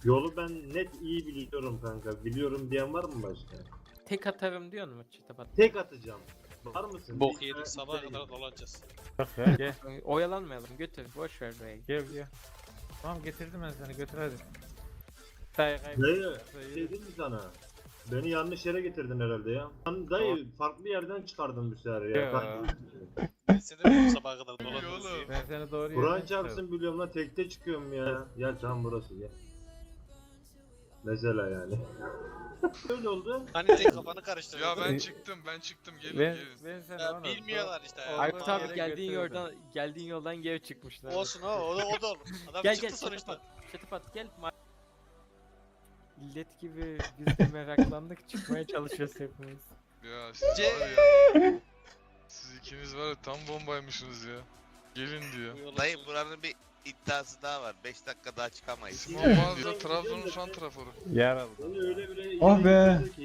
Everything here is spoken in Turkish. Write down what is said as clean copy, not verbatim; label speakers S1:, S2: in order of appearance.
S1: Yolu ben net iyi biliyorum kanka. Biliyorum diyen var mı başka?
S2: Tek atarım diyor mu Çatapat?
S1: Tek atacağım. Var mısın?
S3: Bok
S1: Bir
S3: yedik
S1: tane
S3: sabaha
S1: içeri
S3: kadar
S1: gir.
S3: dolanacağız.
S4: Yok ya gel.
S2: Oyalanmayalım götür boş ver burayı.
S4: Gel. Tamam getirdim ben seni götür hadi.
S2: Dayı
S1: Dayı şey dedim mi sana? Beni yanlış yere getirdin herhalde ya. Lan dayı farklı yerden çıkardın bu sefer ya.
S4: Ya.
S1: Kanka,
S3: Ben seni de sabaha kadar dolanacağız diye.
S4: Ben seni doğru
S1: Kur'an
S4: yerine
S1: çarpsın biliyorum lan tekte çıkıyorum ya. Gel tamam burası gel. Mesela yani. Öyle oldu.
S3: Hani tek kafanı karıştırdın.
S5: Ya ben çıktım gelin
S4: Ben,
S5: gelin.
S4: ben seni
S3: Ya
S4: ona-
S3: bilmiyorlar işte ya.
S2: Aykut
S4: Yere
S2: abi geldiğin
S4: götürdüm.
S2: yoldan geri çıkmışlar.
S3: Olsun o da olur. Adam
S2: Gel
S3: çıktı
S2: gel
S3: sonuçta.
S2: Çatapat gel. İllet gibi biz de meraklandık çıkmaya çalışıyoruz hepimiz.
S5: Ya siz
S3: C-
S5: var ya. Siz ikiniz var ya tam bombaymışsınız ya. Gelin diyor.
S6: Dayı buranın bir iddiası daha var. 5 dakika daha çıkamayız.
S5: Simon Bazı Trabzon'un santraforu.
S4: Yer aldı.
S1: Beni öyle bile
S7: Ah be!
S1: yere getirdi ki